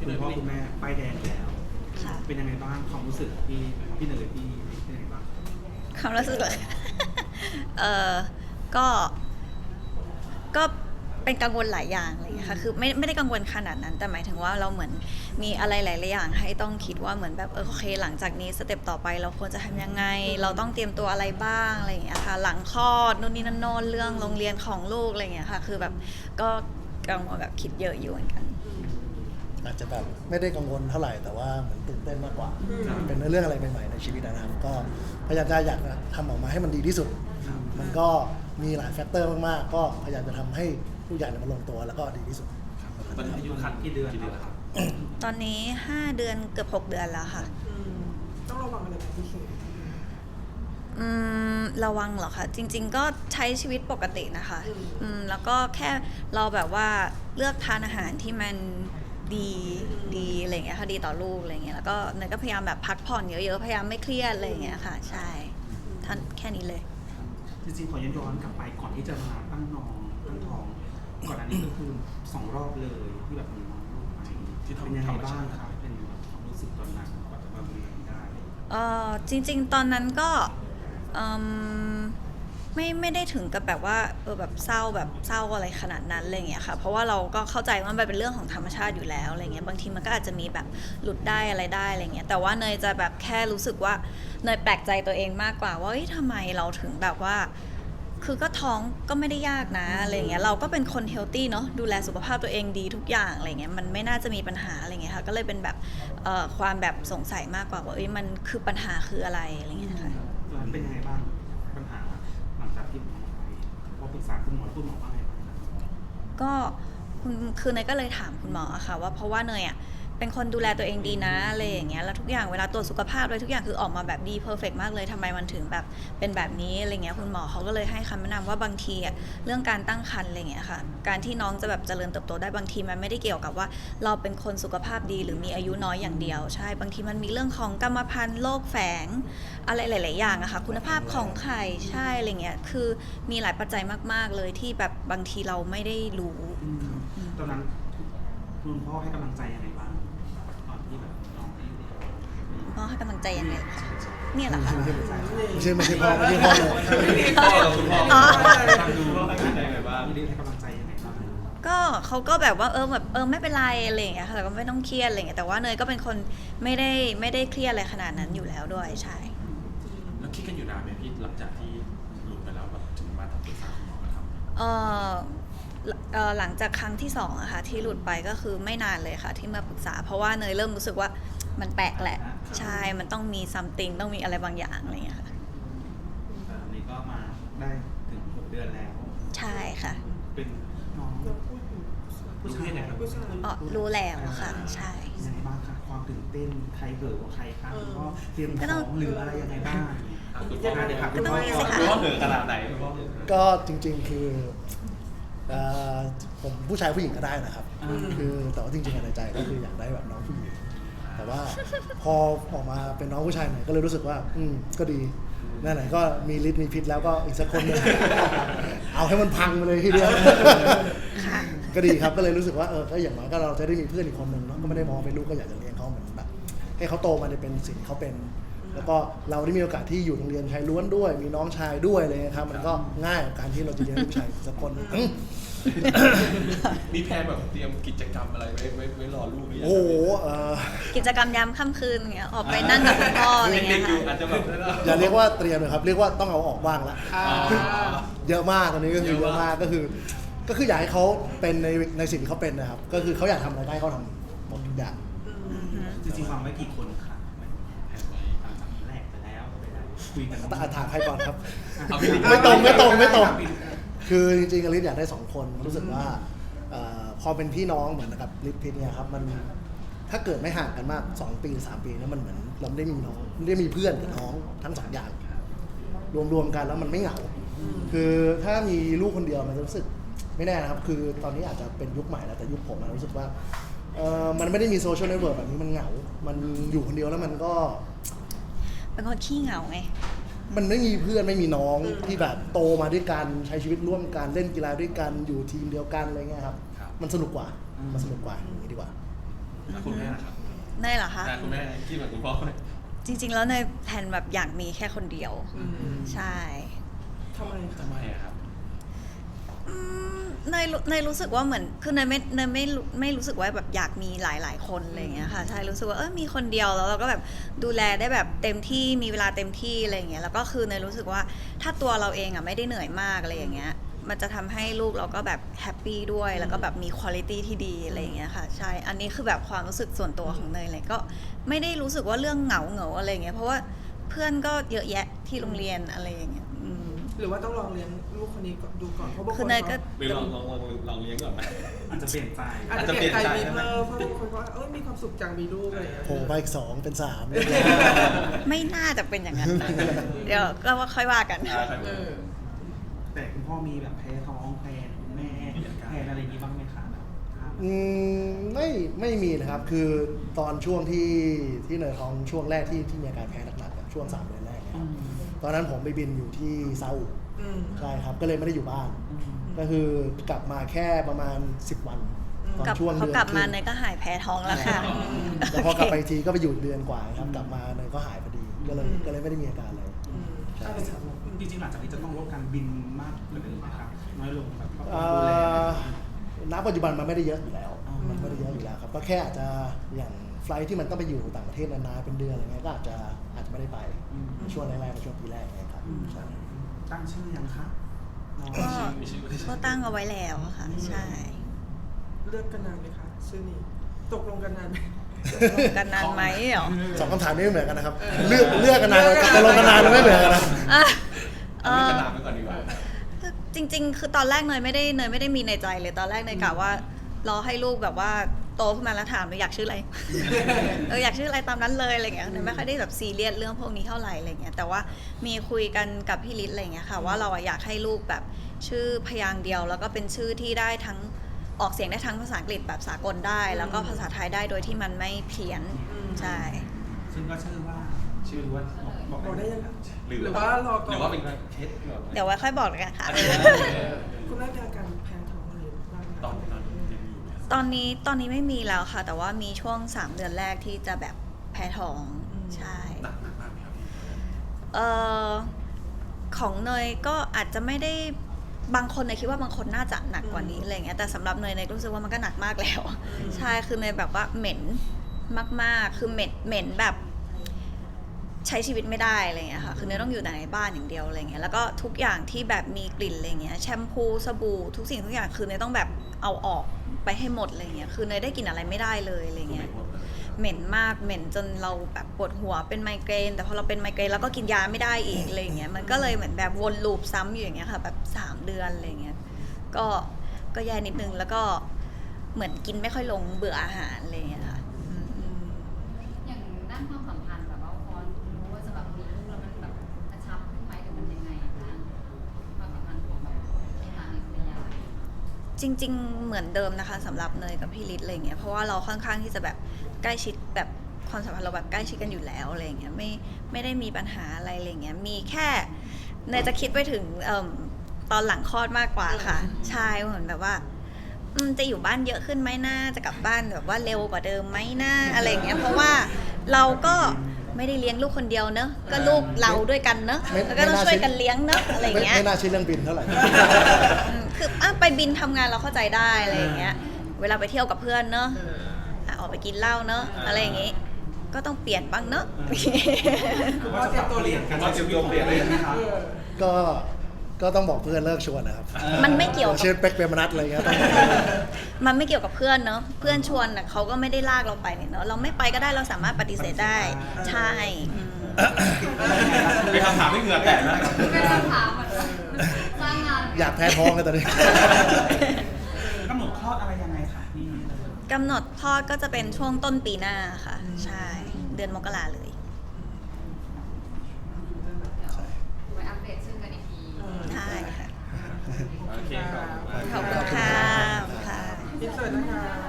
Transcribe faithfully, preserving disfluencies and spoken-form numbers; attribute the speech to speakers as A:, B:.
A: คุณพ่อคุณแม่ป้ายแดงแล้วเป็นยังไงบ้างความรู้สึกพี่พี่เนยพี่เป็นยังไงบ้าง
B: ความรู้สึกเลย เออก็ก็เป็นกังวลหลายอย่างอะไรอย่างเงี้ยค่ะคือไม่ไม่ได้กังวลขนาดนั้นแต่หมายถึงว่าเราเหมือนมีอะไรหลายๆอย่างให้ต้องคิดว่าเหมือนแบบเออโอเคหลังจากนี้สเต็ปต่อไปเราควรจะทำยังไงเราต้องเตรียมตัวอะไรบ้างอะไรอย่างเงี้ยค่ะหลังคลอดนู่นนี่นั่นโน่นเรื่องโรงเรียนของลูกอะไรอย่างเงี้ยค่ะคือแบบก็กังวลแบบคิดเยอะอยู่เหมือนกัน
C: อาจจะแบบไม่ได้กังวลเท่าไหร่แต่ว่าเหมือนตื่นเต้นมากกว่าเป็นเรื่องอะไรใหม่ๆในชีวิตนะครับก็พยายามจะอยากทำออกมาให้มันดีที่สุดมันก็มีหลายแฟกเตอร์มากๆก็พยายามจะทำให้ทุกอย่างมันลงตัวแล้วก็ดีที่สุด
A: ตอนนี้อายุคันกี่เดือนแล้วครับ
B: ตอนนี้ห้าเดือนเกือบหกเดือนแล้วค่ะ
D: ต้องระวังอะไรเป็นพิเศษ
B: อืมระวังเหรอคะจริงๆก็ใช้ชีวิตปกตินะคะอืมแล้วก็แค่เราแบบว่าเลือกทานอาหารที่มันดีดีอะไรอย่างเงี้ยค่ะดีต่อลูกอะไรอย่างเงี้ยแล้วก็เนยก็พยายามแบบพักผ่อนเยอะๆพยายามไม่เครียดอะไรอย่างเงี้ยค่ะใช่ท่านแค่นี้เลย
A: จริงๆขอย้อนกลับไปก่อนที่จะมาตั้งน้องตั้งท้องก่อนอันนี้ก็คือสองรอบเลยที่แบบมีน้องลูกมาที่เป็นยังไงบ้างครับเป็นความรู้สึกตอนนั้นก่อนจะมาเป็นอย่างนี้ได้
B: เออจริงๆตอนนั้นก็ไม่ไม่ได้ถึงกับแบบว่าเออแบบเศร้าแบบเศร้าอะไรขนาดนั้นอะไรเงี้ยค่ะเพราะว่าเราก็เข้าใจว่ามันเป็นเรื่องของธรรมชาติอยู่แล้วอะไรเงี้ยบางทีมันก็อาจจะมีแบบหลุดได้อะไรได้อะไรเงี้ยแต่ว่าเนยจะแบบแค่รู้สึกว่าเนยแปลกใจตัวเองมากกว่าว่าเฮ้ยทำไมเราถึงแบบว่าคือก็ท้องก็ไม่ได้ยากนะอะไรเงี้ยเราก็เป็นคนเฮลตี้เนาะดูแลสุขภาพตัวเองดีทุกอย่างอะไรเงี้ยมันไม่น่าจะมีปัญหาอะไรเงี้ยค่ะก็เลยเป็นแบบความแบบสงสัยมากกว่าว่าเอ้ยมันคือปัญหาคืออะไรอะไรเงี้ยค่ะ
A: เป็นยังไงบ้างปัญหาหลังจากที่หมอไปพอปรึกษาคุณหมอคุณหมอว่าไงบ้าง
B: ก็คุณคือเนยก็เลยถามคุณหมอค่ะว่าเพราะว่าเนยอ่ะเป็นคนดูแลตัวเองดีนะอะไรอย่างเงี้ยแล้วทุกอย่างเวลาตรวจสุขภาพเลยทุกอย่างคือออกมาแบบดีเพอร์เฟกต์มากเลยทำไมมันถึงแบบเป็นแบบนี้อะไรเงี้ยคุณหมอเขาก็เลยให้คำแนะนำว่าบางทีอ่ะเรื่องการตั้งครรภ์อะไรเงี้ยค่ะการที่น้องจะแบบเจริญเติบโตได้บางทีมันไม่ได้เกี่ยวกับว่าเราเป็นคนสุขภาพดีหรือมีอายุน้อยอย่างเดียวใช่บางทีมันมีเรื่องของกรรมพันธุ์โรคแฝงอะไรหลายๆอย่างอะค่ะคุณภาพของไข่ใช่อะไรเงี้ยคือมีหลายปัจจัยมากๆเลยที่แบบบางทีเราไม่ได้รู้
A: ตอนนั้นคุณพ่อให้กำลังใจยังไงบ้างตอนที่แบบน้องให้
B: พ่อให้กำลังใจยังไงเนี่ยเหรอคะ
C: ไม่ใช่ไม่ใช่พ่อไม่ใช่พ่อเลย
A: พ่อเราคุณพ่อทำดูว่าให้กำลังใจยังไงบ้างพี่เล็กให้กำลังใจยังไงบ้าง
B: ก็เขาก็แบบว่าเออแบบเออไม่เป็นไรอะไรอย่างเงี้ยค่ะแต่ก็ไม่ต้องเครียดอะไรอย่างเงี้ยแต่ว่าเนยก็เป็นคนไม่ได้ไม่ได้เครียดอะไรขนาดนั้นอยู่แล้วด้วยใช่
E: แล้วคิดกันอยู่นานไหมพี่หลังจากที่หลุดไปแล้วแบบถึงมาทำปรึกษาคุณหมอครับ
B: เออหลังจากครั้งที่สองอะค่ะที่หลุดไปก็คือไม่นานเลยค่ะที่มาปรึกษาเพราะว่าเนยเริ่มรู้สึกว่ามันแปลกแหละใช่มันต้องมี something ต้องมีอะไรบางอย่างอะไรอย่างเงี้ยค่ะ
A: อันนี้ก็มาได้ถึงหกเดือนแล้ว
B: ใช่ค่ะ
A: เป็นน้องผู้ชายไหนครับ
B: อ๋อรู้แล้วค่ะใช่
A: ยังไงบ้างคะความตื่นเต้นใครเกิดกว่าใครคะก็เตรียมของหรืออะไรยังไงบ้าง
E: คุณพ่อเด็กค่ะคุณพ่อคุณพ่อเหนือขนาดไหนคุณพ่อ
C: ก็จริงๆคือผมผู้ชายผู้หญิงก็ได้นะครับคือแต่ว่าจริงๆในใจก็คืออยากได้แบบน้องผู้หญิงแต่ว่าพอออกมาเป็นน้องผู้ชายเนี่ยก็เลยรู้สึกว่าอืมก็ดีนั่นไหนก็มีฤทธิ์มีพิษแล้วก็อีกสักคนนึงเอาให้มันพังไปเลยทีเดียวก็ดีครับก็เลยรู้สึกว่าเออก็อย่างน้อยก็เราจะได้มีเพื่อนอีกคนนึงเนาะก็ไม่ได้มองเป็นลูกก็อยากจะเลี้ยงเขาเหมือนแบบให้เขาโตมาในเป็นสิ่งเขาเป็นแล้วก็เราได้มีโอกาสที่อยู่โรงเรียนชายล้วนด้วยมีน้องชายด้วยเลยครับมันก็ง่ายกับการที่เราจะเลี้ยงลูกชายสักคน
E: มีแพลนแบบเตรียมกิจกรรมอะไรไว้ไว้ไว้รอลูกหรือยัง
C: โอ้โห
B: กิจกรรมยามค่ำคืนเงี้ยออกไปนั่งกับคุณพ่ออะไรเงี้ย
E: อาจจะแบบ
C: อย่าเรียกว่าเตรียมเลยครับเรียกว่าต้องเอาออกบ้างละเยอะมากตอนนี้ก็คือเยอะมากก็คือก็คืออยากให้เขาเป็นในในสิ่งที่เขาเป็นนะครับก็คือเขาอยากทำอะไรได้เขาทำหมดทุกอย่าง
A: จริงๆวางไว้กี่คนค่ะแรกไปแล้วคุยกัน
C: ถามใครก่อนครับไม่ตรงไม่ตรงไม่ตรงคือจริงๆอลิซอยากได้สองคนรู้สึกว่าพอเป็นพี่น้องเหมือนกับลิซพิษเนี่ยครับมันถ้าเกิดไม่ห่างกันมากสองปีสามปีแล้วมันเหมือนเราได้มีน้องได้มีเพื่อนกับน้องทั้งสองอย่างรวมๆกันแล้วมันไม่เหงาคือถ้ามีลูกคนเดียวมันจะรู้สึกไม่แน่นะครับคือตอนนี้อาจจะเป็นยุคใหม่แล้วแต่ยุคผมรู้สึกว่ามันไม่ได้มีโซเชียลเน็ตเวิร์กแบบนี้มันเหงามันอยู่คนเดียวแล้วมันก็
B: เป็นคนขี้เหงาไง
C: มันไม่มีเพื่อนไม่มีน้องที่แบบโตมาด้วยกันใช้ชีวิตร่วมกันเล่นกีฬาด้วยกันอยู่ทีมเดียวกันอะไรเงี้ยครับมันสนุกกว่ามันสนุกกว่าอย่างนี้ดีกว่า
E: คุณแม่
B: เนยเหรอคะ
E: อ่ะคุณแม่คิดเหมือนคุณพ่อไหม
B: จริง ๆ แล้วเนยแผนแบบอยากมีแค่คนเดียว
D: อืม
B: ใช่
D: ทำไมคะ
E: ทำไมอะครับ
B: อืมเนยรู้เนยรู้สึกว่าเหมือนคือเนยไม่เนยไม่รู้ไม่รู้สึกว่าแบบอยากมีหลาย ๆ คนอะไรอย่างเงี้ยค่ะใช่รู้สึกว่าเออมีคนเดียวแล้วเราก็แบบดูแลได้แบบเต็มที่มีเวลาเต็มที่อะไรอย่างเงี้ยแล้วก็คือเนยรู้สึกว่าถ้าตัวเราเองอ่ะไม่ได้เหนื่อยมากอะไรอย่างเงี้ยมันจะทำให้ลูกเราก็แบบแฮปปี้ด้วยแล้วก็แบบมีคุณภาพที่ดีอะไรอย่างเงี้ยค่ะใช่อันนี้คือแบบความรู้สึกส่วนตัวของเนยเลยก็ไม่ได้รู้สึกว่าเรื่องเหงาเหงาอะไรอย่างเงี้ยเพราะว่าเพื่อนก็เยอะแยะที่โรงเรียนอะไรอย่างเงี้ยอืม
D: หรือว่าต้องลองเลี้ยงลูกคนนี้ก่อนดูก่อนเพราะบางค
B: คือน เนยก็
E: หรือลองลองลองลองเลี้ยงก่อนไหม
A: อาจจะเปลี่ยนใจ
D: อาจจะเปลี่ยนใจมีเพิ่มเพราะบางคนว่าเอ้ยมีความสุขจังมีลูกอะไรอย่างเงี้ย
C: โผล่ไปอีกสองเป็นสาม
B: ไม่น่าจะเป็นอย่างนั้นนะ เดี๋ยวก็ว่าค่อยว่ากัน
E: อ่าครับ
D: เออ
A: แต่คุณพ่อมีแบบแพ้ท้องแพ้คุณแม่แพ้อะไรอย่างนี้บ้างไหมคะแบบครับ
C: อืมไม่ไม่มีนะครับคือตอนช่วงที่ที่เนยท้องช่วงแรกที่ที่มีอาการแพ้หนักๆอะช่วงสามเดือนแรกนะครับตอนนั้นผมไปบินอยู่ที่ซาอุ
D: อืม
C: ใช่ครับก็เลยไม่ได้อยู่บ้าน ก็คือกลับมาแค่ประมาณสิบวันตอน
B: กับ
C: ช่วง
B: เขา
C: เดือน
B: กลับมา
C: ครึ่ง
B: เนยก็หายแพ้ท้องแล้วค่ะ
C: แล้วพอกลับไปอีกทีก็ไปอยู่เดือนกว่าครับกลับมาเนยก็หายพอดีก็เลยก็เลยไม่ได้มีอาการอะไร
D: อืม
C: ใช่
D: ถ้าเป็นสาว
A: จริงๆหลังจากนี้จะต้องลดการบินมากกว่าเดิมไหมครับน้อยลงแบบครอบครั
C: เอ่
A: วดูแล
C: อณปัจจุบันมันไม่ได้เยอะอยู่แล้ว
A: อ๋อ
C: มันไม่ได้เยอะอยู่แล้วครับก็แค่อาจจะอย่างไฟลท์ที่มันต้องไปอยู่ต่างประเทศนานๆเป็นเดือนอะไรเงี้ยก็อาจจะอาจจะไม่ได้ไปในช่วงแรกๆในช่วงปีแรกเงี้ยครับใช่
A: ตั้งชื่อยังคะน้อง
B: ก็
E: มีชื่อมีชื่อ
B: ก็ตั้งเอาไว้แล้วค่ะ ใช่
D: เลือกกันนานไหมคะชื่อนี้ตกลงกันนานไหม
B: กันนานไหมเหรอ
C: สองคำถามนี้ไม่เหมือนกันนะครับ เลือกเลือกกันนานกับตกลงกันนานไม่เหมือนกันนะ
B: อ่ะเอ
E: เอาเรื่อง
B: อ
E: กระดาษไปก่อนดีกว่า
B: จริง ๆ คือตอนแรกเนยไม่ได้เนยไม่ได้มีในใจเลยตอนแรกเนยกะว่ารอให้ลูกแบบว่าโตขึ้นมาแล้วถามเลยอยากชื่ออะไร เอออยากชื่ออะไรตามนั้นเลยอะไรเงี้ยเนยไม่ค่อยได้แบบซีเรียสเรื่องพวกนี้เท่าไหร่อะไรเงี้ยแต่ว่ามีคุยกันกับพี่ฤทธิ์อะไรเงี้ยค่ะว่าเราอะอยากให้ลูกแบบชื่อพยางค์เดียว แล้วก็เป็นชื่อที่ได้ทั้งออกเสียงได้ทั้งภาษาอังกฤษแบบสากลได้ แล้วก็ภาษาไทยได้โดยที่มันไม่เพี้ยนใช่
A: ซึ่งก็ชื่อว่าชื่อว่าบอก
D: บอกได้
A: ได้
D: ยังคะ
E: หรือ
D: หรือว่ารอก่อน
E: หรือว่าเป็นเคสแบบ
B: เดี๋ยวไว้ค่อยบอกกันค่ะ
D: คุณแม่มีอาการแพ้ท้องอะไรบ้างไหม
E: ตอนตอนยังมีอยู่ไหม
B: ตอนนี้ตอนนี้ไม่มีแล้วค่ะ แต่ว่ามีช่วงสามเดือนแรกที่จะแบบแพ้ท้องใช่
E: หนักหนักมากไหมครับพี่
B: เอ่อของเนยก็อาจจะไม่ได้บางคนเนยคิดว่าบางคนน่าจะหนักกว่านี้อะไรเงี้ยแต่สำหรับเนยเนยก็รู้สึกว่ามันก็หนักมากแล้ว ใช่คือเนยแบบว่าเหม็นมากๆ คือเหม็นเหม็นแบบใช้ชีวิตไม่ได้อะไรเงี้ยค่ะคือเนยต้องอยู่แต่ในบ้านอย่างเดียวอะไรเงี้ยแล้วก็ทุกอย่างที่แบบมีกลิ่นอะไรเงี้ยแชมพูสบู่ทุกสิ่งทุกอย่างคือเนยต้องแบบเอาออกไปให้หมดอะไรเงี้ยคือเนยได้กลิ่นอะไรไม่ได้เลยอะไรเงี้ย เหม็นมากเหม็นจนเราแบบปวดหัวเป็นไมเกรนแต่พอเราเป็นไมเกรนแล้วก็กินยาไม่ได้อีกอะไรอย่างเงี้ยมันก็เลยเหมือนแบบวนลูปซ้ำอยู่อย่างเงี้ยค่ะแบบสามเดือนอะไรเงี้ยก็ก็แย่นิดนึงแล้วก็เหมือนกินไม่ค่อยลงเบื่ออาหารอะไรเงี้ยค่ะอืม
D: อืม
F: อย่างด้านความสัมพันธ์แบบว่าพอรู้ว่าจะแบบมีลูกแล้วมันแบบกระชับขึ้นไหมหรือมันยังไงบ้างความสัมพันธ์ของแบบสามีภรรยา
B: จริง ๆ เหมือนเดิมนะคะสำหรับเนยกับพี่ฤทธิ์อะไรเงี้ยเพราะว่าเราค่อนข้างที่จะแบบใกล้ชิดแบบความสัมพันธ์เราแบบใกล้ชิดกันอยู่แล้วอะไรเงี้ยไม่ไม่ได้มีปัญหาอะไรอะไรเงี้ยมีแค่เนยจะคิดไปถึงเอิ่มตอนหลังคลอดมากกว่าค่ะใช่เหมือนแบบว่าอืมจะอยู่บ้านเยอะขึ้นไหมน่าจะกลับบ้านแบบว่าเร็วกว่าเดิมไหมน่าอะไรเงี้ยเพราะว่าเราก็ไม่ได้เลี้ยงลูกคนเดียวเนอะก็ลูกเราด้วยกันเนอะ
C: ไม่
B: แล้วก็ต้อง
C: ไม่น่า
B: ช่วย
C: ใช่
B: กันเลี้ยงเนอะอะไร
C: ไม่
B: เงี้ย
C: ไม่น่าใช่เรื่องบินเท่าไหร่
B: อืมคืออ่ะไปบินทำงานเราเข้าใจได้อะไรอย่างเงี้ย เวลาไปเที่ยวกับเพื่อนเนอะอ่ะออกไปกินเหล้าเนอะอะไรอย่างงี้ ก็ต้องเปลี่ยนบ้างเนอะ
A: คือว่าจะปรับเปลี่ยนการใช้ชีวิตของตัวเองไหมครับ
C: ก็ก็ต้องบอกเพื่อนเลิกชวนนะครับ
B: มันไม่เกี่ยวกับ
C: เช่นเป็กเปรมนัทอะไรเงี้ยต้อง
B: มันไม่เกี่ยวกับเพื่อนเนอะเพื่อนชวนน่ะเขาก็ไม่ได้ลากเราไปเนี่ยเนอะเราไม่ไปก็ได้เราสามารถปฏิเสธได้ ใช่อืม
E: มีคำถามที่เหงื่อแตกนะ
F: เป็นคำถามเหมือนกันสร้างงาน
C: อยากแพ้ท้องเลยตอนนี้
A: กำหนดคลอดอะไรยังไงคะนี่
B: กำหนดคลอดก็จะเป็นช่วงต้นปีหน้าค่ะ ใช่ เดือนมกราเลย
F: ไว้อัปเดตชื่อกันอีกที
B: ใช่ค่ะ
E: โอเคครับ
B: ขอบคุณค่ะค่ะ
D: อินเสิร์ตนะคะ